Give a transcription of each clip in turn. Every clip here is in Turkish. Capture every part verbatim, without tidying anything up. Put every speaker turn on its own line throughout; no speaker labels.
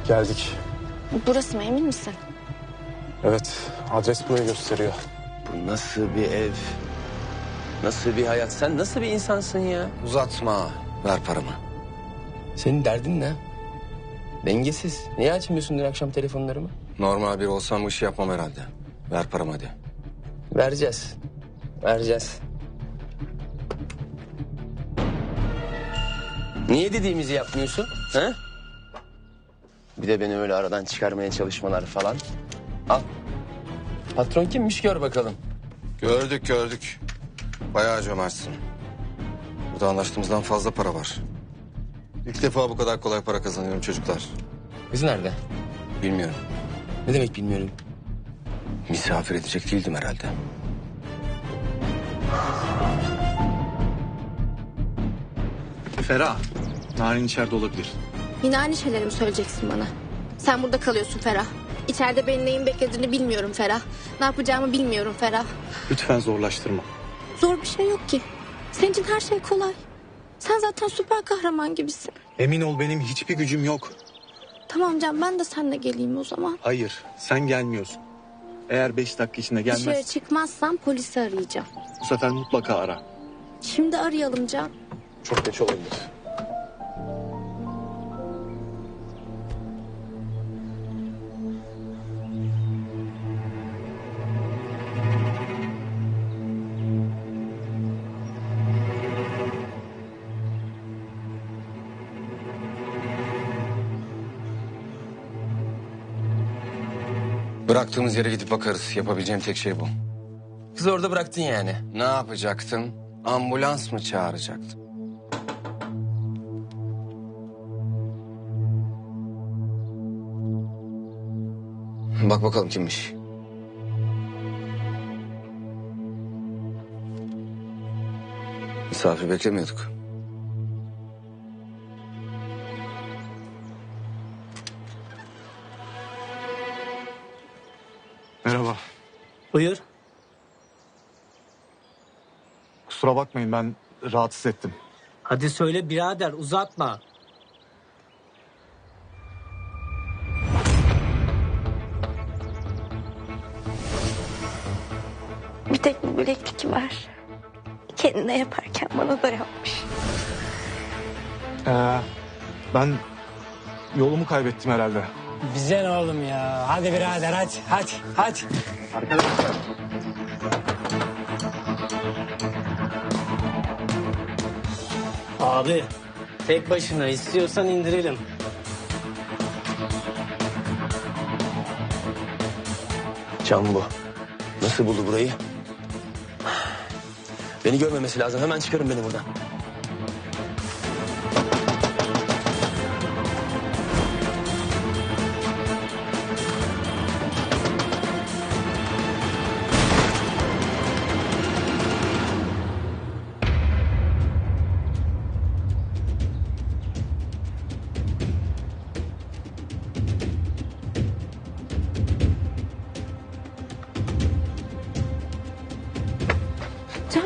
Geldik.
Burası mı, emin misin?
Evet, adres burayı gösteriyor.
Bu nasıl bir ev? Nasıl bir hayat? Sen nasıl bir insansın ya?
Uzatma. Ver paramı.
Senin derdin ne? Dengesiz. Niye açmıyorsun dün akşam telefonlarımı?
Normal bir olsam bu işi yapmam herhalde. Ver paramı hadi.
Vereceğiz. Vereceğiz. Niye dediğimizi yapmıyorsun? He? Bir de beni öyle aradan çıkarmaya çalışmalar falan. Al. Patron kimmiş gör bakalım.
Gördük gördük. Bayağı cömertsin. Burada anlaştığımızdan fazla para var. İlk defa bu kadar kolay para kazanıyorum çocuklar.
Kız nerede?
Bilmiyorum.
Ne demek bilmiyorum.
Misafir edecek değildim herhalde.
Ferah, Narin içeride olabilir.
Yine aynı şeyleri mi söyleyeceksin bana? Sen burada kalıyorsun Ferah. İçeride benim neyin beklediğini bilmiyorum Ferah. Ne yapacağımı bilmiyorum Ferah.
Lütfen zorlaştırma.
Zor bir şey yok ki. Senin için her şey kolay. Sen zaten süper kahraman gibisin.
Emin ol benim hiçbir gücüm yok.
Tamam Can, ben de seninle geleyim o zaman.
Hayır, sen gelmiyorsun. Eğer beş dakika içinde
Dışarı
gelmez,
çıkmazsam polisi arayacağım.
bu sefer mutlaka ara.
Şimdi arayalım Can.
Çok geç olabilir.
Bıraktığımız yere gidip bakarız. Yapabileceğim tek şey bu.
Kızı orada bıraktın yani.
Ne yapacaktın? Ambulans mı çağıracaktın? Bak bakalım kimmiş. Misafir beklemiyorduk.
Merhaba.
Buyur.
Kusura bakmayın ben rahatsız ettim.
Hadi söyle birader, uzatma.
Bir tek bu bileklik var. Kendine yaparken bana da yapmış.
Ee, ben yolumu kaybettim herhalde.
Bize ne oğlum ya? Hadi birader, hadi, hadi, hadi. Abi, tek başına istiyorsan indirelim.
Can bu. Nasıl buldu burayı? Beni görmemesi lazım. Hemen çıkarın beni buradan.
Can.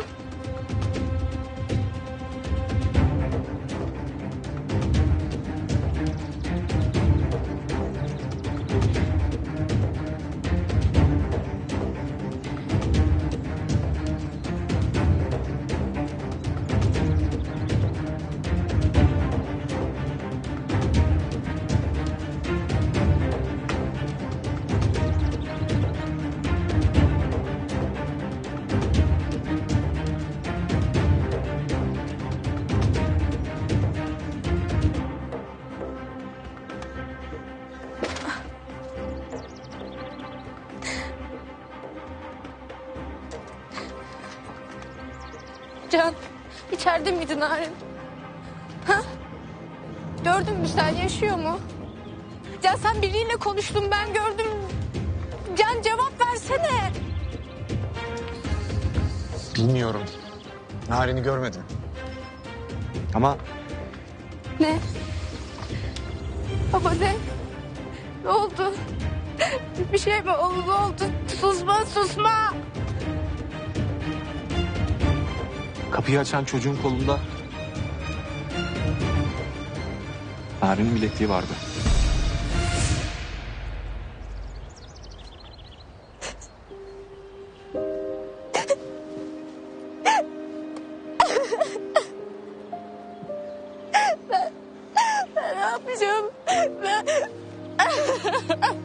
Can, içeride miydin Narin? Ha? Gördün mü sen, yaşıyor mu? Can, sen biriyle konuştun, ben gördüm. Can, cevap versene.
Bilmiyorum. Narin'i görmedim. Ama
Ne? Baba ne? Ne oldu? Bir şey mi oldu? Ne oldu? Susma, susma.
kapıyı açan çocuğun kolunda Narin'in bilekliği vardı.
Can.